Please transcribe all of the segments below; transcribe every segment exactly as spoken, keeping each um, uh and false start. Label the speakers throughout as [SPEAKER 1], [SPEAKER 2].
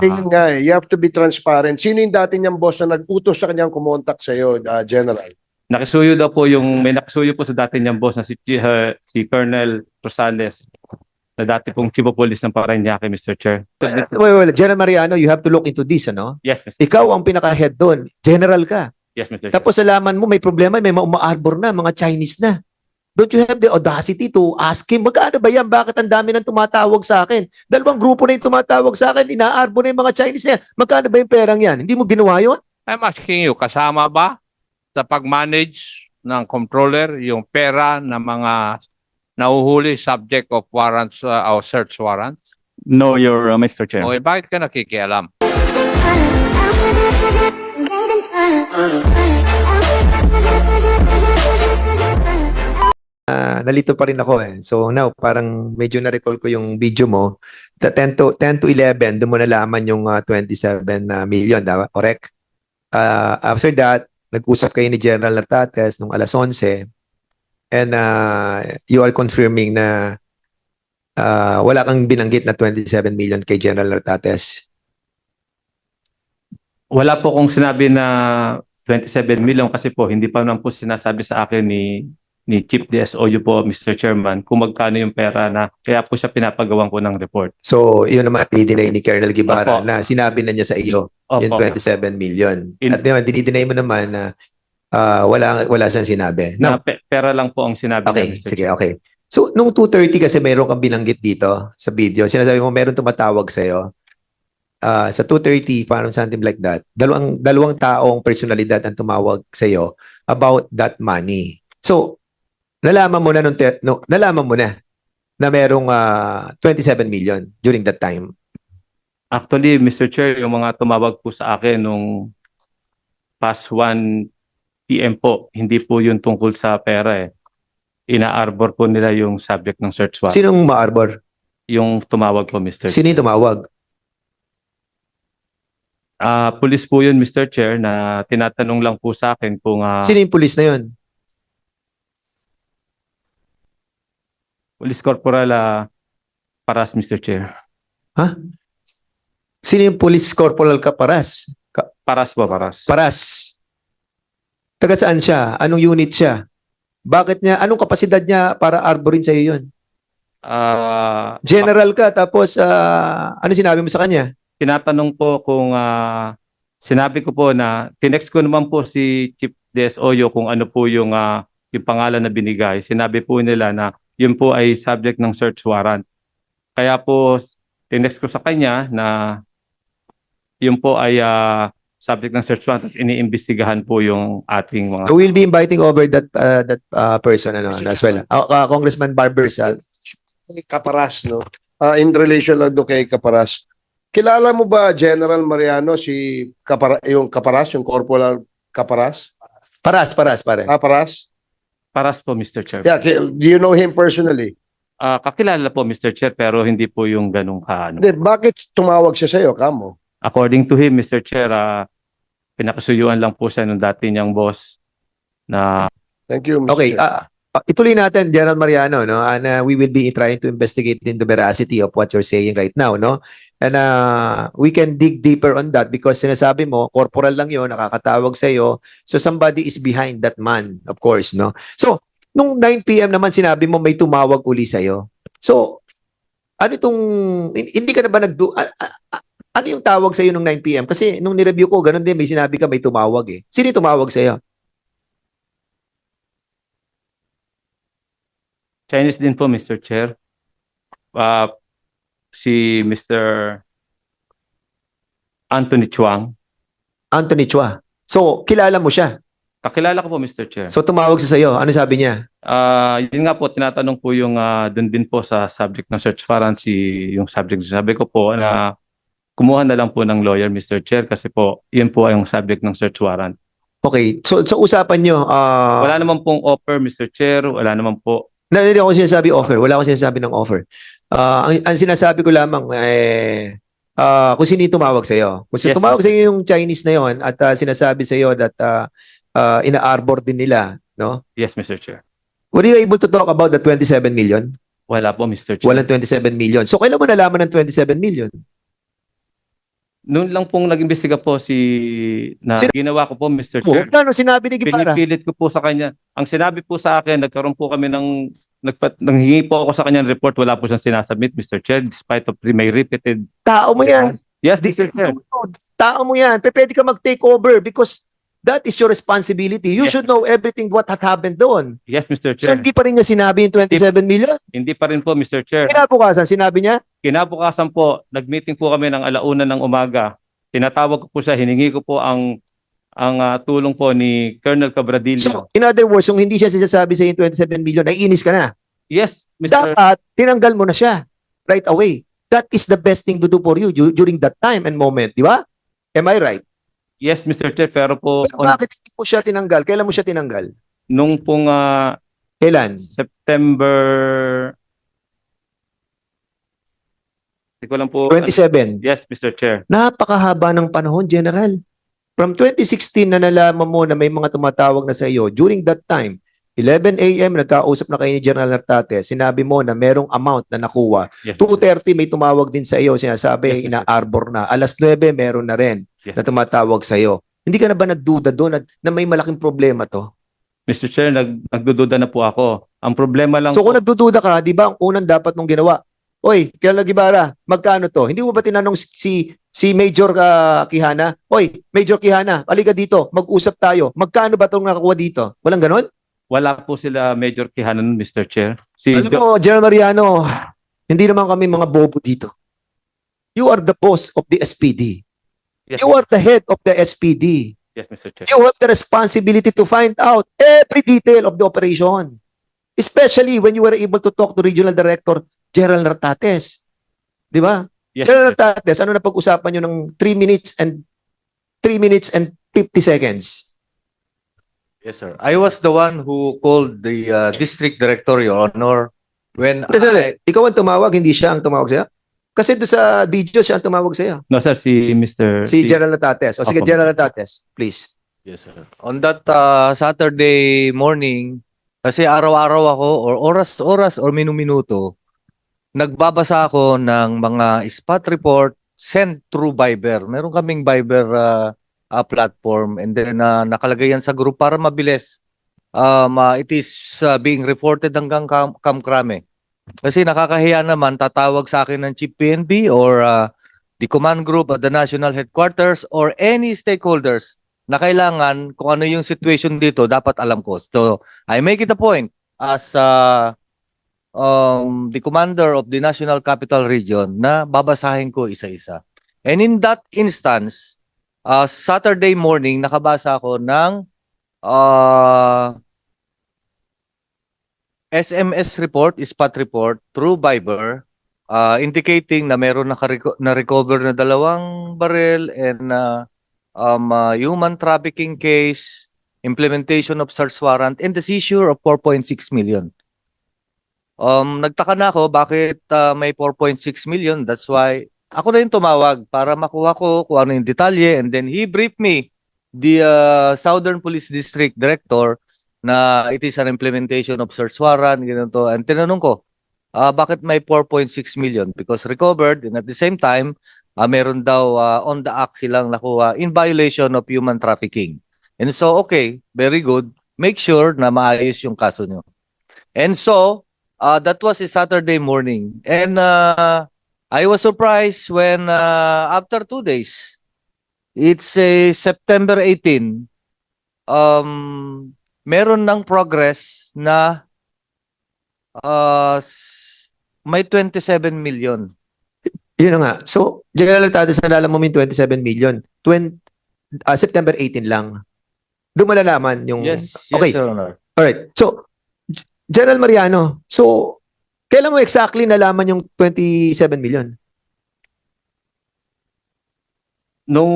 [SPEAKER 1] Yun nga eh, you have to be transparent. Sino yung dati niyang boss na nag-utos sa kanyang kumontak sa iyo, General?
[SPEAKER 2] Nakisuyo daw po yung, may nakisuyo po sa dati niyang boss na si, uh, si Colonel Rosales, na dati pong Chief of Police ng Parañaque, Mister Chair.
[SPEAKER 3] Wait, wait, wait. General Mariano, you have to look into this, ano?
[SPEAKER 2] Yes, Mister
[SPEAKER 3] Ikaw ang pinaka-head doon. General ka.
[SPEAKER 2] Yes, Mister Chair.
[SPEAKER 3] Tapos alaman mo, may problema, may uma-arbor na, mga Chinese na. Don't you have the audacity to ask him, magkano ba yan? Bakit ang dami nang tumatawag sa akin? Dalawang grupo na yung tumatawag sa akin, inaarbor na yung mga Chinese na yan. Magkano ba yung perang yan? Hindi mo ginawa yun?
[SPEAKER 4] I'm asking you, kasama ba sa pag-manage ng controller yung pera ng mga nauhuli subject of warrants uh, or search warrants?
[SPEAKER 2] No, your uh, Mister Chair.
[SPEAKER 4] O eh, bakit ka nakikialam?
[SPEAKER 3] Ah, nalito pa rin ako eh. So now, parang medyo na-recall ko yung video mo. The ten to, ten to eleven, doon mo nalaman yung uh, twenty-seven uh, million, daw, correct? Uh, after that, nag-usap kayo ni General Nartates nung alas onse and uh, you are confirming na uh, wala kang binanggit na twenty-seven million kay General Nartates.
[SPEAKER 2] Wala po kong sinabi na twenty-seven million kasi po hindi pa naman po sinasabi sa akin ni ni Chief D S O U po, Mister Chairman, kung magkano yung pera na kaya po siya pinapagawan ko ng report.
[SPEAKER 3] So, yun naman, dinay ni Colonel Guevara
[SPEAKER 2] Opo.
[SPEAKER 3] na sinabi na niya sa iyo
[SPEAKER 2] Opo.
[SPEAKER 3] yung twenty-seven million.
[SPEAKER 2] In-
[SPEAKER 3] At yun, dinideny mo naman na uh, wala, wala siyang sinabi.
[SPEAKER 2] Na
[SPEAKER 3] Now,
[SPEAKER 2] pe- pera lang po ang sinabi
[SPEAKER 3] okay,
[SPEAKER 2] niya, Mister
[SPEAKER 3] sige,
[SPEAKER 2] Chair.
[SPEAKER 3] okay. So, nung two thirty kasi mayroon kang binanggit dito sa video. Sinasabi mo, mayroon tumatawag sa'yo. Uh, sa two thirty, parang something like that. Dalawang, dalawang taong personalidad ang tumawag sa'yo about that money. So, nalaman mo na nung te- no, nalaman mo na na merong uh, twenty-seven million during that time.
[SPEAKER 2] Actually, Mister Chair, yung mga tumawag po sa akin nung past one P M po, hindi po yun tungkol sa pera eh. Ina-arbor po nila yung subject ng search warrant.
[SPEAKER 3] Sinong ma-arbor?
[SPEAKER 2] Yung tumawag po, Mister Chair.
[SPEAKER 3] Sino yung tumawag?
[SPEAKER 2] Ah, police po yun, Mister Chair, na tinatanong lang po sa akin kung ah,
[SPEAKER 3] Sino yung police na yun?
[SPEAKER 2] Police Corporal ah, Paras, Mister Chair.
[SPEAKER 3] Ha? Sino yung police corporal Caparas? Ka-
[SPEAKER 2] Paras po, Paras.
[SPEAKER 3] Paras. Taga saan siya? Anong unit siya? Bakit niya? Anong kapasidad niya para arborin sa iyo yun?
[SPEAKER 2] Ah,
[SPEAKER 3] General ka, tapos ah, ano sinabi mo sa kanya?
[SPEAKER 2] tinatanong po kung ah, sinabi ko po na tinext ko naman po si Chief D S O U kung ano po yung ah, yung pangalan na binigay. Sinabi po nila na yun po ay subject ng search warrant. Kaya po tinext ko sa kanya na yun po ay ah, subject ng search warrant at iniimbestigahan po yung ating mga
[SPEAKER 3] So we'll be inviting over that uh, that uh, person ano, as well. Uh, uh, Congressman Barbersal.
[SPEAKER 1] Kay Caparas, no? Ah, in relation lang doon kay Caparas. Kilala mo ba, General Mariano, si Capara, yung Caparas, yung Corporal Caparas?
[SPEAKER 3] Paras, paras, pare.
[SPEAKER 1] Ah, Paras?
[SPEAKER 2] Paras po, Mister Chair.
[SPEAKER 1] Yeah, ki- do you know him personally?
[SPEAKER 2] Ah, kakilala po, Mister Chair, pero hindi po yung ganung ka. Ano.
[SPEAKER 1] Then, bakit tumawag siya sa'yo, Kamo?
[SPEAKER 2] According to him, Mister Chair, ah, pinakasuyuan lang po siya ng dati niyang boss na
[SPEAKER 1] Thank you, Mister
[SPEAKER 3] Okay,
[SPEAKER 1] Chair.
[SPEAKER 3] ah, ah, ituloy natin, General Mariano, no? And uh, we will be trying to investigate in the veracity of what you're saying right now, no? And uh, we can dig deeper on that because sinasabi mo, corporal lang yun, nakakatawag sa iyo. So somebody is behind that man, of course, no? So, nung nine P M naman sinabi mo may tumawag uli sa iyo. So, ano itong, hindi ka na ba nagdu... a- a- a- ano yung tawag sa iyo nung nine P M? Kasi nung nireview ko, ganun din, may sinabi ka may tumawag eh. Sino yung tumawag sa iyo?
[SPEAKER 2] Chinese din po, Mister Chair. Ah, si Mister Anthony Chuang.
[SPEAKER 3] Anthony Chua. So, kilala mo siya.
[SPEAKER 2] Kakilala ko po, Mister Chair.
[SPEAKER 3] So, tumawag siya sa iyo. Ano sabi niya?
[SPEAKER 2] Ah, yun nga po, tinatanong po yung ah, dun din po sa subject ng search warrant si yung subject. Sabi ko po na kumuha na lang po ng lawyer, Mister Chair, kasi po, yun po ay yung subject ng search warrant.
[SPEAKER 3] Okay. So, so usapan nyo, ah,
[SPEAKER 2] Wala naman pong offer, Mister Chair. Wala naman po.
[SPEAKER 3] na, hindi ako sinasabi offer. Wala akong sinasabi ng offer. Ah, ang, ang sinasabi ko lamang, eh, ah, kung sino yung tumawag sa iyo. Kung sino
[SPEAKER 2] Yes,
[SPEAKER 3] tumawag
[SPEAKER 2] sir.
[SPEAKER 3] sa iyo yung Chinese na yon at ah, sinasabi sa iyo that ah, ah, ina-arbor din nila, no?
[SPEAKER 2] Yes, Mister Chair.
[SPEAKER 3] Were you able to talk about the twenty-seven million?
[SPEAKER 2] Wala po, Mister Chair.
[SPEAKER 3] Walang twenty-seven million. So, kailan mo nalaman ng twenty-seven million?
[SPEAKER 2] Noon lang pong nag-imbestiga po si na
[SPEAKER 3] Sino-
[SPEAKER 2] ginawa ko po, Mister
[SPEAKER 3] Oh,
[SPEAKER 2] Chair.
[SPEAKER 3] ano sinabi ni Guevara?
[SPEAKER 2] Pinipilit ko po sa kanya. Ang sinabi po sa akin, nagkaroon po kami ng nagpat nanghingi po ako sa kanya ng report, wala po siyang sinasubmit, Mister Chair, despite of may repeated.
[SPEAKER 3] Tao mo yan.
[SPEAKER 2] Yes, Mister Chair.
[SPEAKER 3] Tao mo yan. Pe- Pwede ka mag-take over because that is your responsibility. You
[SPEAKER 2] Yes.
[SPEAKER 3] should know everything what had happened doon.
[SPEAKER 2] Yes, Mister
[SPEAKER 3] So
[SPEAKER 2] Chair.
[SPEAKER 3] hindi pa rin niya sinabi yung twenty-seven million.
[SPEAKER 2] Hindi pa rin po, Mister Chair.
[SPEAKER 3] Kinabukasan, sinabi niya,
[SPEAKER 2] Kinabukasan po, nag-meeting po kami ng alauna ng umaga. Tinatawag ko po siya, hiningi ko po ang ang ah, tulong po ni Colonel Cabradilla.
[SPEAKER 3] so in other words, kung hindi siya sinasabi sa yung twenty-seven million, naiinis ka na.
[SPEAKER 2] Yes, Mister
[SPEAKER 3] Dapat, tinanggal mo na siya right away. That is the best thing to do for you du- during that time and moment, di ba? Am I right?
[SPEAKER 2] Yes, Mister Chair, pero po
[SPEAKER 3] Pero
[SPEAKER 2] on,
[SPEAKER 3] bakit hindi mo siya tinanggal? Kailan mo siya tinanggal?
[SPEAKER 2] nung pong ah,
[SPEAKER 3] Kailan?
[SPEAKER 2] September Hindi ko lang po.
[SPEAKER 3] twenty-seven.
[SPEAKER 2] Yes, Mister Chair.
[SPEAKER 3] Napakahaba ng panahon, General. From twenty sixteen na nalaman mo na may mga tumatawag na sa iyo, during that time, eleven a m nagkausap na kayo ni General Nartate, sinabi mo na merong amount na nakuha.
[SPEAKER 2] Yes,
[SPEAKER 3] two thirty may tumawag din sa iyo, sinasabi
[SPEAKER 2] Yes,
[SPEAKER 3] ina-arbor na. Alas nuwebe meron na rin
[SPEAKER 2] Yes.
[SPEAKER 3] na tumatawag sa iyo. Hindi ka na ba nagduda doon na, na may malaking problema to?
[SPEAKER 2] Mister Chair, nag, nagdududa na po ako. Ang problema lang
[SPEAKER 3] So
[SPEAKER 2] po,
[SPEAKER 3] kung nagdududa ka, di ba ang unang dapat mong ginawa? Oy, Colonel Guevara, magkano to? Hindi mo ba tinanong si si Major uh, Quijana? Oy, Major Quijana, halika dito, mag-usap tayo. Magkano ba itong nakakuha dito? Walang ganon?
[SPEAKER 2] wala po sila Major Kihanan, Mister Chair. Si
[SPEAKER 3] Alam
[SPEAKER 2] Jo-
[SPEAKER 3] mo, General Mariano, hindi naman kami mga bobo dito. You are the boss of the S P D.
[SPEAKER 2] yes,
[SPEAKER 3] You are the head of the S P D.
[SPEAKER 2] yes, Mister Chair.
[SPEAKER 3] You have the responsibility to find out every detail of the operation. Especially when you were able to talk to Regional Director General Nartates. Di ba?
[SPEAKER 2] Yes,
[SPEAKER 3] General
[SPEAKER 2] Mister Chair.
[SPEAKER 3] Nartates, ano na pag-usapan nyo ng three minutes and three minutes and fifty seconds?
[SPEAKER 5] Yes, sir. I was the one who called the uh, district director, Your Honor, when
[SPEAKER 3] Kasi,
[SPEAKER 5] I,
[SPEAKER 3] ikaw ang tumawag, hindi siya ang tumawag sa'yo? Kasi doon sa video, siya ang tumawag sa'yo.
[SPEAKER 2] No, sir, si Mister
[SPEAKER 3] Si General Nartates. O sige,
[SPEAKER 2] Opo.
[SPEAKER 3] General Nartates, please.
[SPEAKER 5] yes, sir. On that uh, Saturday morning, kasi araw-araw ako or oras-oras or minu-minuto, nagbabasa ako ng mga spot report sent through Viber. Meron kaming Viber uh, uh, platform and then uh, nakalagay yan sa group para mabilis. Um, uh, it is uh, being reported hanggang kam kamkrame. Kasi nakakahiya naman tatawag sa akin ng Chief P N B or uh, the command group at the national headquarters or any stakeholders na kailangan kung ano yung situation dito dapat alam ko. So I make it a point as uh, um, the commander of the National Capital Region na babasahin ko isa-isa. And in that instance, uh, Saturday morning nakabasa ako ng uh, S M S report, spot report through Viber uh, indicating na meron nakareco- na-recover na dalawang baril and uh, um, uh, human trafficking case, implementation of search warrant, and the seizure of four point six million. Um, nagtaka na ako bakit uh, may four point six million. That's why ako na yung tumawag para makuha ko kung ano yung detalye and then he briefed me, the uh, Southern Police District Director, na it is an implementation of search warrant, ganito. And tinanong ko, uh, bakit may four point six million? Because recovered and at the same time, uh, meron daw uh, on the act silang nakuha in violation of human trafficking. And so, okay, very good. Make sure na maayos yung kaso nyo. And so, uh, that was a Saturday morning. And uh, I was surprised when uh, after two days, it's a September eighteenth, um, meron ng progress na uh, s- may twenty-seven million.
[SPEAKER 3] Yun na nga. So, General Nartates, nalala mo yung twenty-seven million. twenty, ah, September eighteenth lang. Doon malalaman yung...
[SPEAKER 5] Yes, yes,
[SPEAKER 3] Okay.
[SPEAKER 5] Your Honor.
[SPEAKER 3] Alright. So, G- General Mariano, so, kailan mo exactly nalaman yung twenty-seven million?
[SPEAKER 2] Nung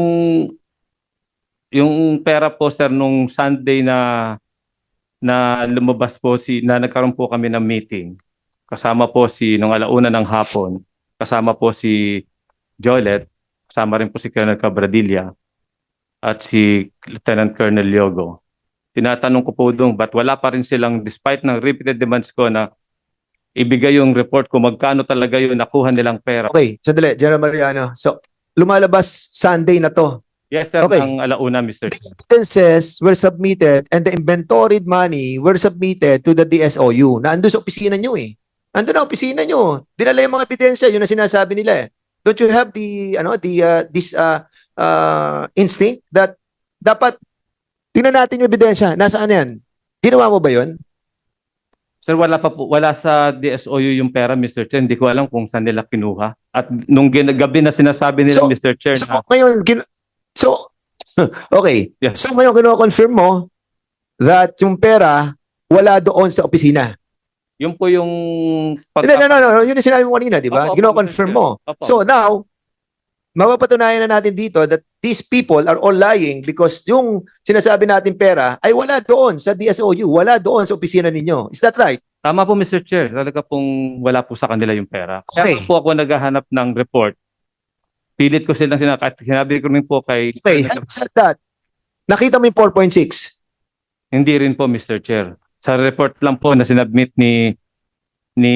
[SPEAKER 2] yung pera po, sir, nung Sunday na na lumabas po si na nagkaroon po kami ng meeting. Kasama po si nung alauna ng hapon, kasama po si Jolet, kasama rin po si Colonel Cabradilla at si Lieutenant Colonel Yogo. Tinatanong ko po doon, ba't wala pa rin silang, despite ng repeated demands ko na ibigay yung report kung magkano talaga yung nakuha nilang pera.
[SPEAKER 3] Okay, sandali, General Mariano. So, lumalabas Sunday na to.
[SPEAKER 2] Yes, sir,
[SPEAKER 3] Okay.
[SPEAKER 2] ang alauna, Mister
[SPEAKER 3] The
[SPEAKER 2] Chair.
[SPEAKER 3] evidences were submitted and the inventoried money were submitted to the D S O U. Na ando sa opisina nyo eh. Ando na opisina nyo. Dinala yung mga ebidensya, yun ang sinasabi nila eh. Don't you have the ano the uh, this uh, uh, instinct that dapat tingnan natin yung ebidensya. Nasaan yan? Ginawa mo ba yun?
[SPEAKER 2] Sir, wala pa po, wala sa D S O U yung pera, Mister Chair. Hindi ko alam kung saan nila kinuha. At nung gin- gabi na sinasabi nila,
[SPEAKER 3] So-
[SPEAKER 2] Mister Chair,
[SPEAKER 3] So
[SPEAKER 2] na
[SPEAKER 3] ngayon, gin- so okay.
[SPEAKER 2] Yes.
[SPEAKER 3] So ngayon kino-confirm mo that yung pera wala doon sa opisina.
[SPEAKER 2] yun po yung pag-
[SPEAKER 3] Hindi, no, no, no, yun yung sinabi mo kanina, di ba?
[SPEAKER 2] Opo, opo,
[SPEAKER 3] Gino-confirm
[SPEAKER 2] Mister
[SPEAKER 3] mo.
[SPEAKER 2] Chair. Opo.
[SPEAKER 3] So now, mapapatunayan na natin dito that these people are all lying because yung sinasabi natin pera ay wala doon sa D S O U, wala doon sa opisina ninyo. Is that right?
[SPEAKER 2] Tama po, Mister Chair. Talaga pong wala po sa kanila yung pera. Kaya
[SPEAKER 3] Okay.
[SPEAKER 2] po ako naghahanap ng report. Pilit ko silang sinabi, at sinabi ko rin po kay...
[SPEAKER 3] Okay, having said that, nakita mo yung four point six.
[SPEAKER 2] Hindi rin po, Mister Chair. Sa report lang po na sinubmit ni ni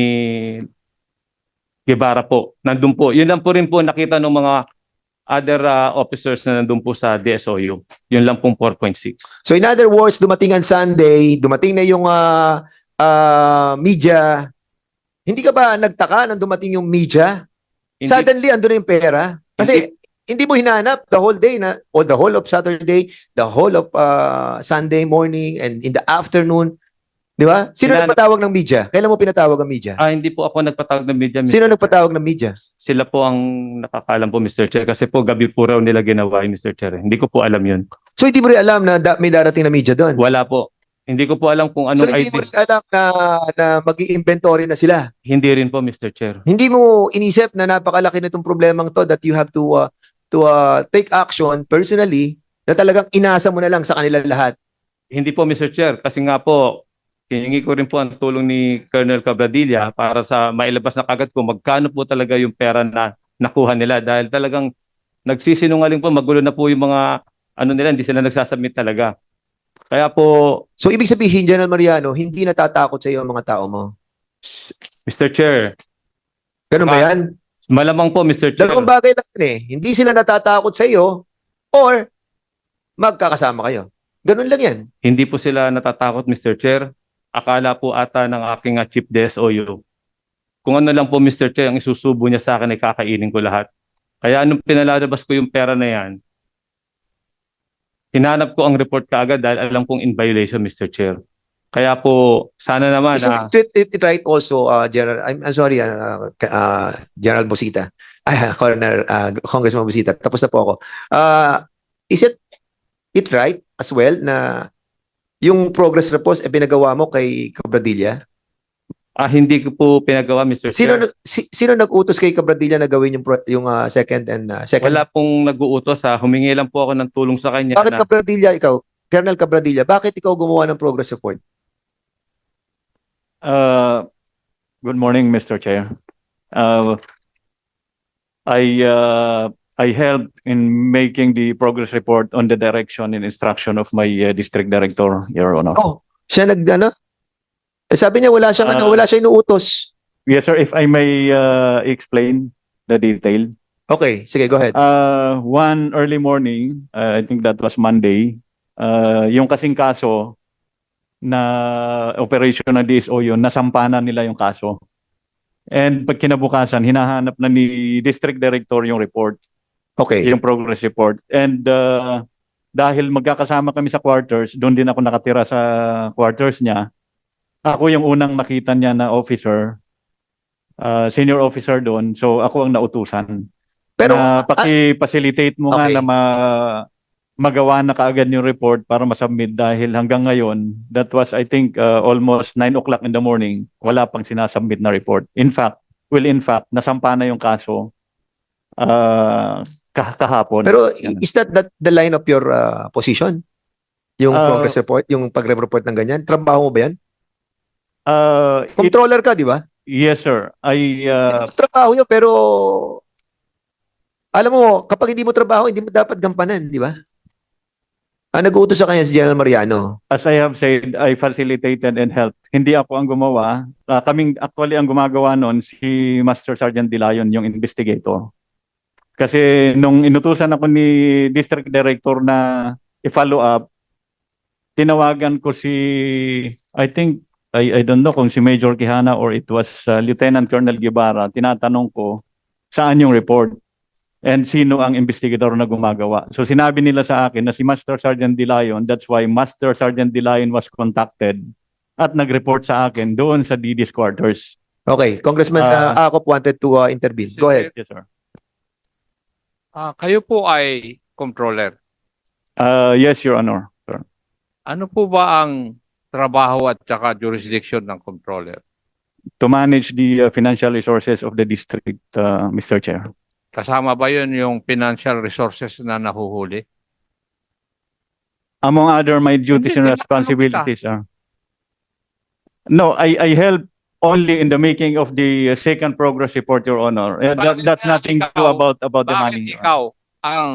[SPEAKER 2] Guevara po. Nandun po. Yun lang po rin po nakita ng mga other uh, officers na nandun po sa D S O U. Yun lang pong four point six.
[SPEAKER 3] So in other words, dumating ang Sunday, dumating na yung ah, ah, media. Hindi ka ba nagtaka nang dumating yung media?
[SPEAKER 2] Hindi,
[SPEAKER 3] Suddenly, ando na yung pera. Kasi hindi mo hinanap the whole day na, or the whole of Saturday, the whole of uh, Sunday morning, and in the afternoon. Di ba? Sino
[SPEAKER 2] Hinanap-
[SPEAKER 3] nagpatawag ng media? Kailan mo pinatawag ang media?
[SPEAKER 2] ah, hindi po ako nagpatawag ng media. Mister
[SPEAKER 3] Sino
[SPEAKER 2] Chair.
[SPEAKER 3] nagpatawag ng media?
[SPEAKER 2] Sila po ang nakakalam po, Mister Chair. Kasi po gabi po raw nila ginawa yung Mister Chair. Hindi ko po alam yun.
[SPEAKER 3] So hindi mo rin alam na da- may darating na media doon?
[SPEAKER 2] Wala po. Hindi ko po alam kung
[SPEAKER 3] So
[SPEAKER 2] anong
[SPEAKER 3] hindi
[SPEAKER 2] I D.
[SPEAKER 3] mo rin alam na, na mag-i-inventory na sila?
[SPEAKER 2] Hindi rin po, Mister Chair.
[SPEAKER 3] Hindi mo inisip na napakalaki na itong problemang to that you have to uh, to uh, take action personally na talagang inasa mo na lang sa kanila lahat?
[SPEAKER 2] Hindi po, Mister Chair. Kasi nga po, hiningi ko rin po ang tulong ni Colonel Cabradilla para sa mailabas na kagad ko magkano po talaga yung pera na nakuha nila. Dahil talagang nagsisinungaling po, magulo na po yung mga ano nila, hindi sila nagsasubmit talaga. Kaya po,
[SPEAKER 3] So ibig sabihin, General Mariano, hindi natatakot sa iyo ang mga tao mo?
[SPEAKER 2] Mister Chair,
[SPEAKER 3] Ganun ba
[SPEAKER 2] Ah,
[SPEAKER 3] yan?
[SPEAKER 2] malamang po, Mister Chair.
[SPEAKER 3] Dalawang bagay lang yun eh. Hindi sila natatakot sa iyo or magkakasama kayo. Ganun lang yan.
[SPEAKER 2] Hindi po sila natatakot, Mister Chair. Akala po ata ng aking uh, Chief D S O U. Kung ano lang po, Mister Chair, ang isusubo niya sa akin ay kakainin ko lahat. Kaya anong pinalalabas ko yung pera na yan, hinanap ko ang report kaagad dahil alam kong in violation, Mister Chair. Kaya po, sana naman
[SPEAKER 3] Is
[SPEAKER 2] na
[SPEAKER 3] it, it, it right also, uh, General, I'm, I'm sorry, uh, uh, General Busita, ay, Coroner, uh, Congressman Busita, tapos na po ako. Uh, is it it right as well na yung progress report ay pinagawa mo kay Cabradilla?
[SPEAKER 2] ah, hindi ko po pinagawa, Mister
[SPEAKER 3] Sino
[SPEAKER 2] Chair.
[SPEAKER 3] nag- si, sino nag-utos kay Cabradilla na gawin yung pro- yung uh, second and uh, second?
[SPEAKER 2] Wala pong nag-uutos. Ha. Humingi lang po ako ng tulong sa kanya.
[SPEAKER 3] Bakit
[SPEAKER 2] Na,
[SPEAKER 3] Cabradilla ikaw? Colonel Cabradilla, bakit ikaw gumawa ng progress report?
[SPEAKER 6] Uh, good morning, Mister Chair. Uh, I uh, I helped in making the progress report on the direction and instruction of my uh, district director, Your Honor.
[SPEAKER 3] Oh, siya nag ano? Eh, sabi niya wala siyang ano,
[SPEAKER 6] Ah.
[SPEAKER 3] wala siyang inuutos.
[SPEAKER 6] Yes, sir. If I may uh, explain the detail.
[SPEAKER 3] Okay, sige, go ahead.
[SPEAKER 6] Uh, one early morning, uh, I think that was Monday, uh, yung kasing kaso na operation ng D S O yun, nasampanan nila yung kaso. And pag kinabukasan, hinahanap na ni district director yung report.
[SPEAKER 3] Okay.
[SPEAKER 6] Yung progress report. And uh, dahil magkakasama kami sa quarters, doon din ako nakatira sa quarters niya. Ako yung unang nakita niya na officer, uh, senior officer doon. So ako ang nautusan.
[SPEAKER 3] Pero
[SPEAKER 6] na
[SPEAKER 3] ah,
[SPEAKER 6] paki-facilitate mo nga
[SPEAKER 3] Okay.
[SPEAKER 6] na ma- magawa na kaagad yung report para masubmit dahil hanggang ngayon, that was I think uh, almost nine o'clock in the morning, wala pang sinasubmit na report. In fact, well in fact, nasampa na yung kaso uh, kah- kahapon.
[SPEAKER 3] pero is that, that the line of your uh, position? Yung
[SPEAKER 6] Ah.
[SPEAKER 3] progress report, yung pagre-report ng ganyan? Trabaho mo ba yan?
[SPEAKER 6] Uh, it-
[SPEAKER 3] Controller ka, di ba?
[SPEAKER 6] yes sir, I uh,
[SPEAKER 3] Trabaho yun, pero alam mo, kapag hindi mo trabaho, hindi mo dapat gampanan, di ba? Ah, nag-uutos sa kanya si General Mariano.
[SPEAKER 6] as I have said, I facilitated and helped. Hindi ako ang gumawa. Uh, kaming actually ang gumagawa noon si Master Sergeant Dilayon, yung investigator. Kasi nung inutusan ako ni District Director na i-follow up, tinawagan ko si, I think, I, I don't know kung si Major Quijana or it was uh, Lieutenant Colonel Guevara. Tinatanong ko, saan yung report? And sino ang investigador na gumagawa? So sinabi nila sa akin na si Master Sergeant Dilayon, that's why Master Sergeant Dilayon was contacted at nag-report sa akin doon sa D D's quarters.
[SPEAKER 3] Okay, Congressman
[SPEAKER 6] Ah.
[SPEAKER 3] uh, Acop wanted to uh, intervene. Go ahead.
[SPEAKER 6] Yes, sir.
[SPEAKER 4] Ah, kayo po ay controller.
[SPEAKER 6] Uh, yes, Your Honor. Sir.
[SPEAKER 4] Ano po ba ang trabaho at saka jurisdiction ng controller?
[SPEAKER 6] To manage the uh, financial resources of the district, uh, Mister Chair.
[SPEAKER 4] Kasama ba yun yung financial resources na nahuhuli?
[SPEAKER 6] Among other my duties and
[SPEAKER 4] Hindi, tinatanong
[SPEAKER 6] responsibilities are. No, I I help only in the making of the uh, second progress report, Your Honor. Uh, that,
[SPEAKER 4] Bakit
[SPEAKER 6] that's
[SPEAKER 4] nga
[SPEAKER 6] nothing to
[SPEAKER 4] ikaw-
[SPEAKER 6] about about the
[SPEAKER 4] Bakit
[SPEAKER 6] money. Your Honor.
[SPEAKER 4] ikaw ang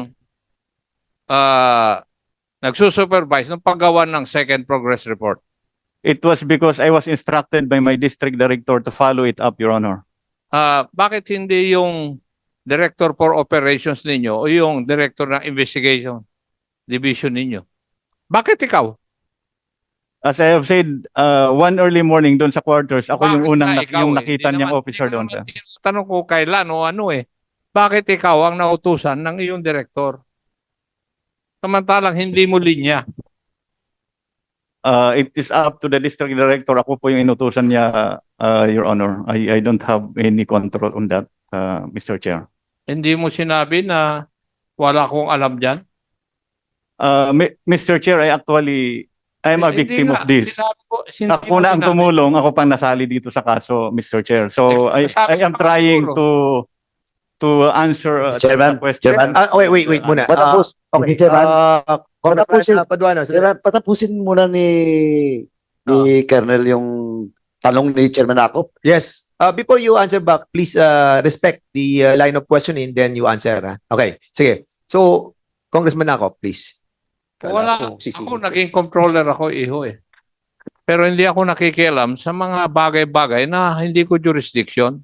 [SPEAKER 4] ah nagsusupervise ng paggawa ng second progress report?
[SPEAKER 6] It was because I was instructed by my district director to follow it up, Your Honor.
[SPEAKER 4] Ah, bakit hindi yung director for operations ninyo o yung director ng investigation division ninyo? Bakit ikaw?
[SPEAKER 6] As I have said, uh, one early morning doon sa quarters, ako yung
[SPEAKER 4] Bakit
[SPEAKER 6] unang
[SPEAKER 4] nga
[SPEAKER 6] nak-
[SPEAKER 4] ikaw
[SPEAKER 6] yung
[SPEAKER 4] eh?
[SPEAKER 6] nakita
[SPEAKER 4] Hindi
[SPEAKER 6] niyang
[SPEAKER 4] naman-
[SPEAKER 6] officer
[SPEAKER 4] hindi
[SPEAKER 6] doon.
[SPEAKER 4] naman
[SPEAKER 6] Sir.
[SPEAKER 4] Tanong ko kailan o ano eh. Bakit ikaw ang nautusan ng iyong direktor? Samantalang hindi mo linya.
[SPEAKER 6] Uh, it is up to the district director. Ako po yung inutusan niya, uh, Your Honor. I I don't have any control on that, uh, Mister Chair.
[SPEAKER 4] Hindi mo sinabi na wala akong alam dyan?
[SPEAKER 6] Uh, Mi- Mister Chair, I actually I'm a
[SPEAKER 4] Hindi
[SPEAKER 6] victim
[SPEAKER 4] nga.
[SPEAKER 6] of this.
[SPEAKER 4] Sinabi ko, hindi
[SPEAKER 6] Ako
[SPEAKER 4] mo
[SPEAKER 6] na ang
[SPEAKER 4] sinabi.
[SPEAKER 6] tumulong, ako pang nasali dito sa kaso, Mister Chair. So I
[SPEAKER 4] Sabi
[SPEAKER 6] I am
[SPEAKER 4] ko,
[SPEAKER 6] trying
[SPEAKER 4] siguro.
[SPEAKER 6] to to answer uh,
[SPEAKER 7] Chairman,
[SPEAKER 6] the question.
[SPEAKER 7] Chairman.
[SPEAKER 3] Ah, wait, wait, wait muna.
[SPEAKER 7] Patapos.
[SPEAKER 3] Ah, okay.
[SPEAKER 7] Mister Chairman,
[SPEAKER 3] Ah, Congressman
[SPEAKER 7] patapusin-
[SPEAKER 3] uh, Paduano.
[SPEAKER 7] Sir, patapusin muna ni ni Colonel yung tanong ni Chairman Acop.
[SPEAKER 3] Yes. Uh, before you answer back, please uh, respect the uh, line of questioning, then you answer. Ha? Okay, sige. So, Congressman Acop, please.
[SPEAKER 4] Wala.
[SPEAKER 7] Kala ko sisingit.
[SPEAKER 4] Ako naging controller ako, iho eh. Pero hindi ako nakikialam sa mga bagay-bagay na hindi ko jurisdiction.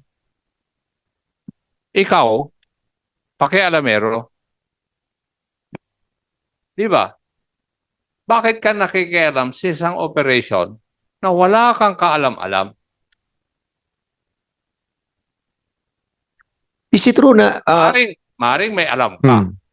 [SPEAKER 4] Ikaw, pakialamero. Di ba? Bakit ka nakikialam sa isang operation na wala kang kaalam-alam?
[SPEAKER 3] Is it true na... Uh,
[SPEAKER 4] Maring, maring may alam ka.
[SPEAKER 3] hmm.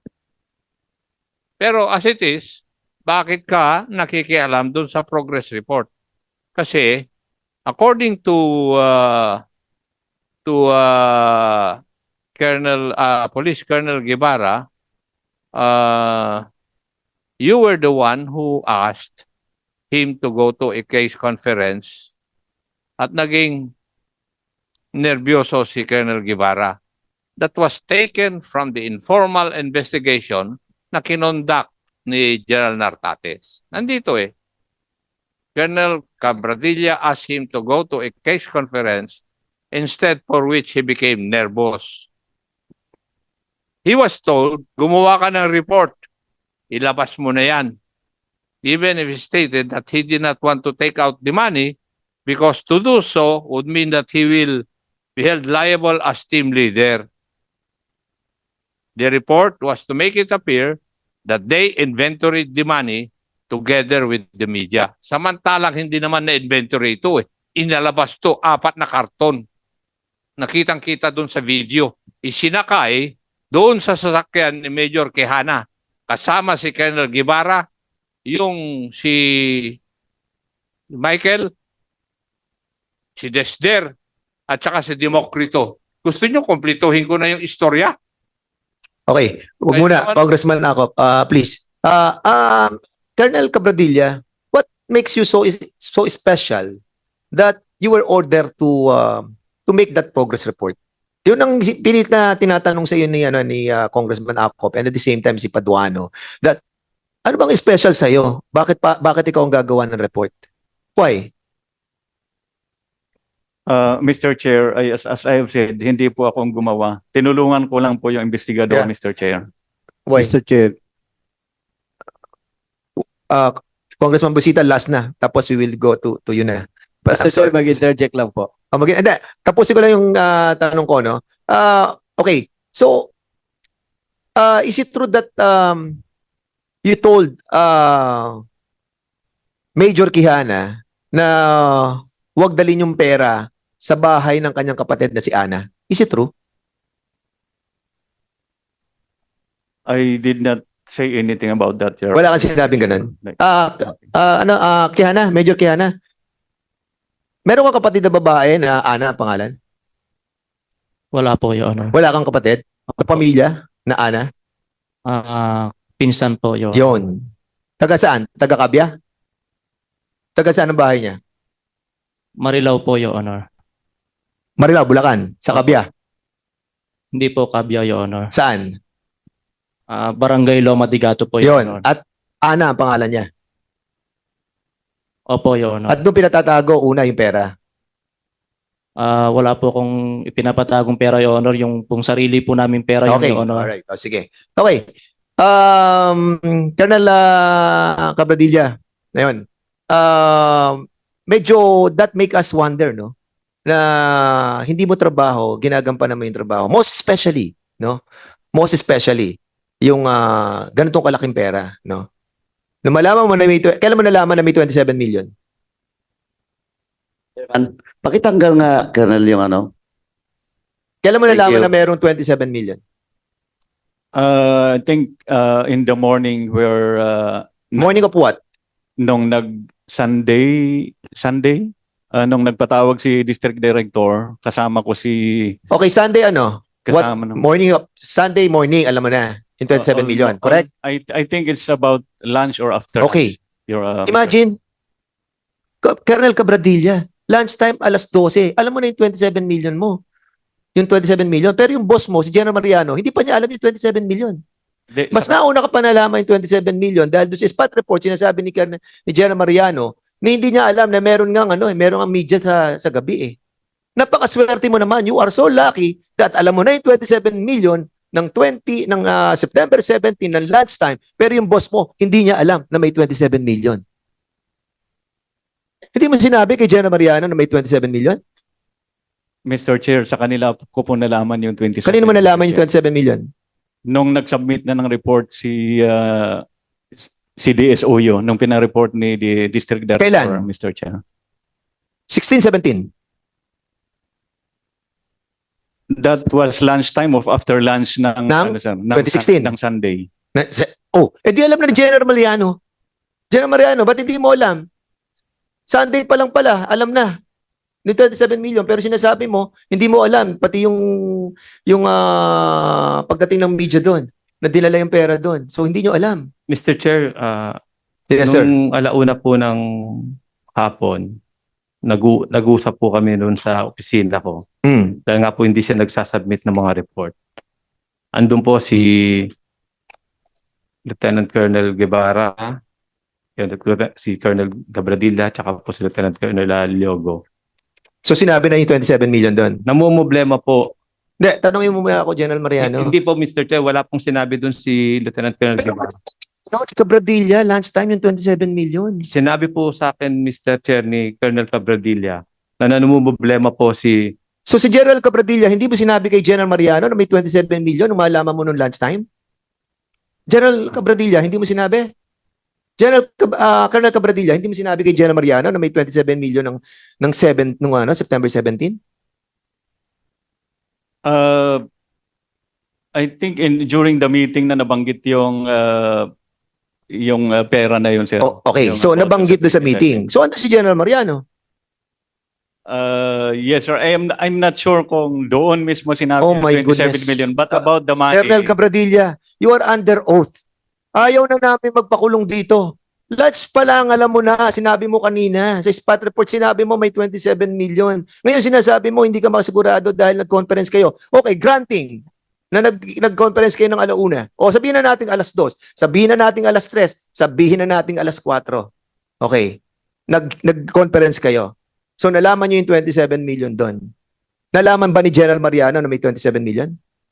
[SPEAKER 4] Pero as it is, bakit ka nakikialam dun sa progress report? Kasi according to uh, to uh, Colonel uh, Police Colonel Guevara, uh, you were the one who asked him to go to a case conference at naging nervyoso si Colonel Guevara. That was taken from the informal investigation na kinonduct ni General Nartates. Nandito eh. Colonel Cabradilla asked him to go to a case conference instead for which he became nervous. He was told, gumawa ka ng report. Ilabas mo na yan. Even if he stated that he did not want to take out the money because to do so would mean that he will be held liable as team leader. The report was to make it appear that they inventoried the money together with the media. Samantalang hindi naman na-inventory ito eh. Inalabas to, apat na karton. Nakitang-kita doon sa video. Isinakay doon sa sasakyan ni Major Quijana. Kasama si Colonel Guevara, yung si Michael, si Desder, at saka si Demokrito. Gusto nyo komplituhin ko na yung istorya?
[SPEAKER 3] Okay, huwag
[SPEAKER 4] Ay,
[SPEAKER 3] muna,
[SPEAKER 4] ano-
[SPEAKER 3] Congressman Acop, uh, please. Uh, um, Colonel Cabradilla, what makes you so is so special that you were ordered to uh, to make that progress report? Yun ang si- pilit na tinatanong sa iyo ni ano ni uh, Congressman Acop and at the same time si Paduano that ano bang special sa iyo? Bakit pa bakit ikaw ang gagawa ng report? Why?
[SPEAKER 6] Uh, Mister Chair, I, as, as I have said, hindi po akong gumawa. Tinulungan ko lang po yung investigador,
[SPEAKER 3] Yeah.
[SPEAKER 6] Mister Chair.
[SPEAKER 3] Why?
[SPEAKER 7] Mister Chair,
[SPEAKER 3] Uh, Congressman Busita, last na. Tapos we will go to to you na. But, I'm
[SPEAKER 7] Mister Chair,
[SPEAKER 3] sorry.
[SPEAKER 7] mag-interject lang po.
[SPEAKER 3] Oh, mag- hindi, tapusin ko lang yung ah, tanong ko, no? Ah, okay, so, uh, is it true that um, you told uh, Major Quijana na wag dalhin yung pera sa bahay ng kanyang kapatid na si Ana? Is it true?
[SPEAKER 6] I did not say anything about that, Your
[SPEAKER 3] Wala kang sinabing ganun.
[SPEAKER 6] Like,
[SPEAKER 3] Ah, ah, ano, ah, Quijana, Major Quijana. Meron kang kapatid na babae na Ana ang pangalan?
[SPEAKER 8] Wala po, Your Honor.
[SPEAKER 3] Wala kang kapatid na pamilya na Ana?
[SPEAKER 8] Ah, pinsan po, Your Honor.
[SPEAKER 3] Yon. Taga saan? Taga Kabya? Taga saan ang bahay niya?
[SPEAKER 8] Marilao po, Your Honor.
[SPEAKER 3] Marilao, Bulacan. Sa Kabya.
[SPEAKER 8] Hindi po Kabya, Your Honor.
[SPEAKER 3] Saan?
[SPEAKER 8] Ah, Barangay Loma de Gato po, Your
[SPEAKER 3] Yon.
[SPEAKER 8] Honor.
[SPEAKER 3] At Ana ang pangalan niya.
[SPEAKER 8] Opo, Your Honor.
[SPEAKER 3] At doon pinatatago una yung pera.
[SPEAKER 8] Ah, wala po kung ipinapatagong pera, Your Honor. Yung pong sarili po namin pera, yung
[SPEAKER 3] Okay.
[SPEAKER 8] Your Honor.
[SPEAKER 3] Alright. O, sige. Okay. Um, Colonel uh, Cabradilla. Ngayon. Um, medyo that make us wonder, no? Na hindi mo trabaho, ginagampanan mo yung trabaho. Most especially, no? Most especially, yung uh, ganitong kalaking pera, no? Na malaman mo na may, tw- kailan mo nalaman na may twenty-seven million?
[SPEAKER 7] Pakitanggal nga, Colonel, yung ano.
[SPEAKER 3] Kailan mo
[SPEAKER 7] Thank
[SPEAKER 3] nalaman
[SPEAKER 7] you.
[SPEAKER 3] na mayroong twenty-seven million?
[SPEAKER 6] Uh, I think uh, in the morning where uh,
[SPEAKER 3] Morning of what?
[SPEAKER 6] nung nag Sunday Sunday uh, nung nagpatawag si District Director, kasama ko si
[SPEAKER 3] Okay, Sunday ano?
[SPEAKER 6] kasama ng
[SPEAKER 3] Morning of, Sunday morning, alam mo na, yung twenty-seven
[SPEAKER 6] Uh,
[SPEAKER 3] million,
[SPEAKER 6] uh,
[SPEAKER 3] correct?
[SPEAKER 6] I I think it's about lunch or after.
[SPEAKER 3] Okay.
[SPEAKER 6] lunch. Your, uh,
[SPEAKER 3] Imagine, Ka- Colonel Cabradilla, lunchtime alas twelve, alam mo na yung twenty-seven million mo. Yung twenty-seven million, pero yung boss mo, si General Mariano, hindi pa niya alam yung twenty-seven million.
[SPEAKER 6] Di-
[SPEAKER 3] Mas nauna ka pa nalaman yung twenty-seven million dahil doon sa spot report, sinasabi ni, Colonel- ni General Mariano na hindi niya alam na meron nga ano, eh, meron ang media sa, sa gabi eh. Napakaswerte mo naman, you are so lucky that alam mo na yung twenty-seven million ng twenty ng ah, September seventeenth ng lunchtime, pero yung boss mo hindi niya alam na may twenty-seven million. Hindi mo sinabi kay General Mariano na may twenty-seven million?
[SPEAKER 6] Mister Chair, sa kanila ko po nalaman yung twenty-seven.
[SPEAKER 3] Kanino mo nalaman yung twenty-seven million?
[SPEAKER 6] Nung nag-submit na ng report si uh, si D S O yun, nung pinareport ni the District Director,
[SPEAKER 3] Kailan?
[SPEAKER 6] Mister Chair.
[SPEAKER 3] sixteen, seventeen.
[SPEAKER 6] That was lunchtime of after lunch ng,
[SPEAKER 3] Ng
[SPEAKER 6] ano, sir, ng,
[SPEAKER 3] twenty sixteen?
[SPEAKER 6] ng Sunday.
[SPEAKER 3] Na, sa- oh, edi alam na ni General Mariano. General Mariano, ba't hindi mo alam? Sunday pa lang pala, alam na. Ni twenty-seven million, pero sinasabi mo, hindi mo alam, pati yung yung ah, pagdating ng media doon, na dinala yung pera doon. So hindi nyo alam.
[SPEAKER 2] Mister Chair, uh,
[SPEAKER 3] Yes, sir.
[SPEAKER 2] nung alauna po ng hapon, nagu nag-usap po kami noon sa opisina ko.
[SPEAKER 3] Mm.
[SPEAKER 2] Dahil nga po hindi siya nagsasubmit ng mga report. Andun po si Lieutenant Colonel Guevara, yun, si Colonel Gabradilla, tsaka po si Lieutenant Colonel Aliogo.
[SPEAKER 3] So sinabi na yung twenty-seven million doon.
[SPEAKER 2] Namumblema po.
[SPEAKER 3] Hindi, tanongin mo muna ako, General Mariano.
[SPEAKER 2] Hindi po, Mister Chair, wala pong sinabi doon si Lieutenant Colonel
[SPEAKER 3] Pero,
[SPEAKER 2] Guevara.
[SPEAKER 3] no, Cabradilla, lunchtime yung twenty-seven million.
[SPEAKER 2] Sinabi po sa akin, Mister Chair, ni Colonel Cabradilla, na namumblema po si
[SPEAKER 3] So si General Cabradilla, hindi mo sinabi kay General Mariano na may twenty-seven million nung malaman mo nung lunchtime? General Cabradilla, hindi mo sinabi? General Cab- ah, Colonel Cabradilla, hindi mo sinabi kay General Mariano na may twenty-seven million ng ng seven nung ano, September seventeenth?
[SPEAKER 6] Uh, I think in during the meeting na nabanggit yung uh, yung uh, pera na yun, sir.
[SPEAKER 3] Oh, okay,
[SPEAKER 6] Yung
[SPEAKER 3] so
[SPEAKER 6] about
[SPEAKER 3] nabanggit doon sa
[SPEAKER 6] twenty-seven.
[SPEAKER 3] meeting. So ano si General Mariano?
[SPEAKER 6] Uh, yes, sir. I am I'm not sure kung doon mismo sinabi
[SPEAKER 3] Oh
[SPEAKER 6] yung
[SPEAKER 3] my
[SPEAKER 6] twenty-seven
[SPEAKER 3] goodness.
[SPEAKER 6] million, but
[SPEAKER 3] Uh,
[SPEAKER 6] about the money.
[SPEAKER 3] Colonel Cabradilla, you are under oath. Ayaw na namin magpakulong dito. Lunch pa lang, alam mo na, sinabi mo kanina. Sa spot report, sinabi mo may twenty-seven million. Ngayon sinasabi mo, hindi ka makasigurado dahil nag-conference kayo. Okay, granting na nag, nag-conference kayo ng alauna. O sabihin na natin alas dos, sabihin na natin alas tres, sabihin na natin alas kwatro. Okay, nag, nag-conference kayo. So nalaman nyo yung twenty-seven million doon. Nalaman ba ni General Mariano na may twenty-seven million?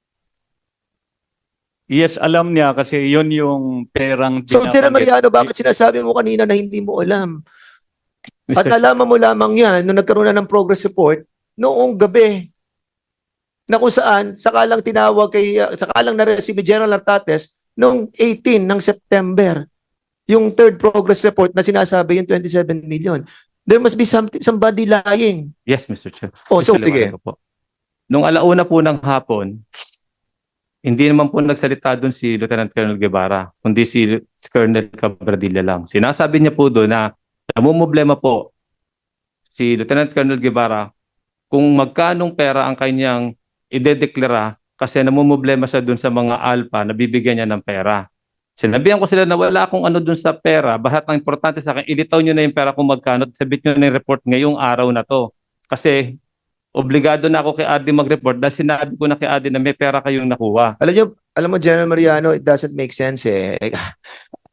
[SPEAKER 6] Yes, alam niya kasi yun yung perang
[SPEAKER 3] So, General
[SPEAKER 6] binabanggit.
[SPEAKER 3] Mariano, bakit sinasabi mo kanina na hindi mo alam? At
[SPEAKER 2] Mister
[SPEAKER 3] nalaman mo lamang yan nung nagkaroon na ng progress report noong gabi. na kung saan sakalang tinawag kay uh, sakalang na-receive ni General Artates noong eighteen ng September yung third progress report na sinasabi yung twenty-seven million. There must be some, somebody lying.
[SPEAKER 2] Yes, Mister Chair.
[SPEAKER 3] Oh, so
[SPEAKER 2] Gusto
[SPEAKER 3] sige.
[SPEAKER 2] liwanag ko po. Nung alauna po ng hapon, hindi naman po nagsalita doon si Lieutenant Colonel Guevara, kundi si, si Colonel Cabradilla lang. Sinasabi niya po doon na namumblema po si Lieutenant Colonel Guevara kung magkanong pera ang kanyang idedeklara kasi namumblema siya doon sa mga alpha na bibigyan niya ng pera. Sinabihan ko sila na wala akong ano doon sa pera, bahat ang importante sa akin, ilitaw niyo na yung pera kung magkano at sabit niyo na yung report ngayong araw na to. Kasi obligado na ako kay Adi mag-report dahil sinabi ko na kay Adi na may pera kayong nakuha.
[SPEAKER 3] Alam niyo, alam mo General Mariano, it doesn't make sense eh.